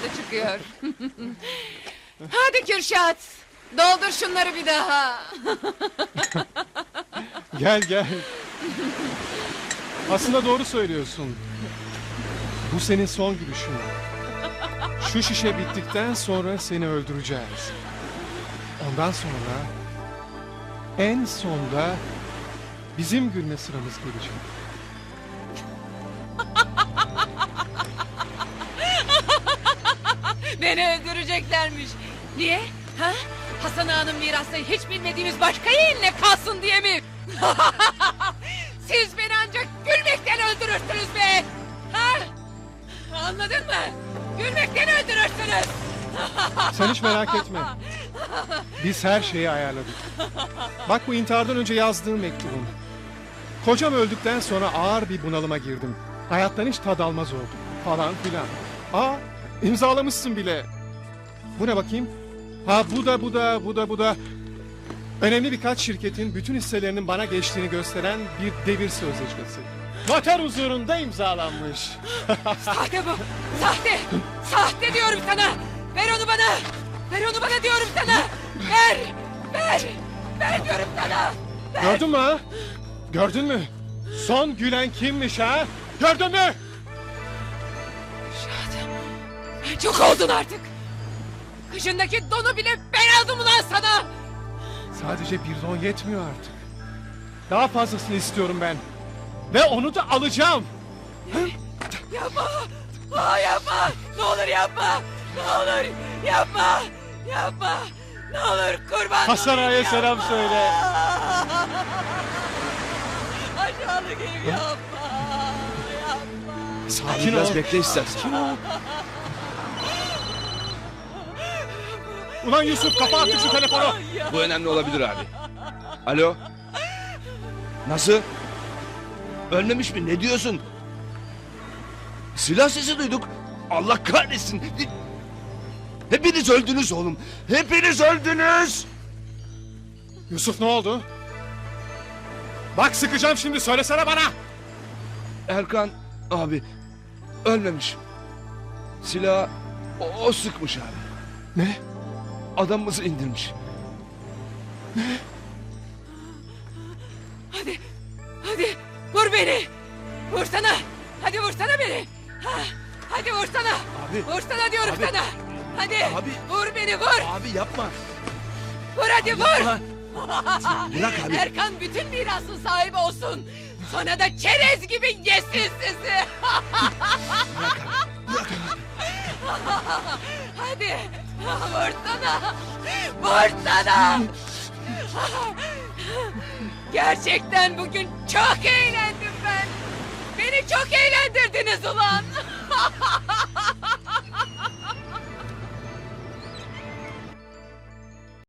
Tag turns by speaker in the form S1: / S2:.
S1: tadı çıkıyor. Hadi Kürşat. Doldur şunları bir daha.
S2: Gel gel. Aslında doğru söylüyorsun. Bu senin son gülüşün. Şu şişe bittikten sonra seni öldüreceğiz. Ondan sonra en sonda bizim gülme sıramız gelecek.
S1: Beni öldüreceklermiş. Niye? Ha? Hasan Ağa'nın mirası hiç bilmediğimiz başka yeğenine kalsın diye mi? Siz beni ancak gülmekten öldürürsünüz be! Ha? Anladın mı? Gülmekten öldürürsünüz!
S2: Sen hiç merak etme. Biz her şeyi ayarladık. Bak bu intihardan önce yazdığım mektubum. Kocam öldükten sonra ağır bir bunalıma girdim. Hayattan hiç tad almaz oldum. Falan filan. Aa, imzalamışsın bile. Bu ne bakayım? Ha bu da. Önemli birkaç şirketin bütün hisselerinin bana geçtiğini gösteren bir devir sözleşmesi. Noter huzurunda imzalanmış.
S1: Sahte bu! Sahte! Sahte diyorum sana! Ver onu bana! Ver onu bana diyorum sana! Ver! Ver! Ver diyorum sana! Ver.
S2: Gördün mü ha? Gördün mü? Son gülen kimmiş ha? Gördün mü?
S1: Şahat! Çok oldun artık! Kışındaki donu bile ben aldım ulan sana!
S2: Sadece bir don yetmiyor artık. Daha fazlasını istiyorum ben. Ve onu da alacağım.
S1: Yapma! Aa, yapma! Ne olur yapma! Ne olur yapma! Yapma! Ne olur kurban
S2: Hasan
S1: olayım,
S2: Ağa'ya
S1: yapma!
S2: selam söyle.
S1: Aşağılık herif yapma! Yapma!
S2: Sakin ol.
S3: Biraz bekle istersen.
S2: Ulan Yusuf kapa artık şu telefonu.
S3: Bu önemli olabilir abi. Alo? Nasıl? Ölmemiş mi? Ne diyorsun? Silah sesi duyduk. Allah kahretsin. Hepiniz öldünüz oğlum. Hepiniz öldünüz.
S2: Yusuf ne oldu? Bak sıkacağım şimdi söylesene bana.
S3: Erkan abi ölmemiş. Silahı o sıkmış abi.
S2: Ne?
S3: Adamımızı indirmiş.
S1: Hadi! Hadi! Vur beni! Vursana! Hadi vursana beni! Ha, hadi vursana!
S3: Abi.
S1: Vursana diyorum
S3: Abi.
S1: sana! Hadi!
S3: Abi.
S1: Vur beni vur!
S3: Abi yapma.
S1: Vur hadi vur!
S3: Bırak abi.
S1: Erkan bütün mirasın sahibi olsun! Sonra da çerez gibi yesin sizi! Hadi! Vursana! Vursana! Gerçekten bugün çok eğlendim ben! Beni çok eğlendirdiniz ulan!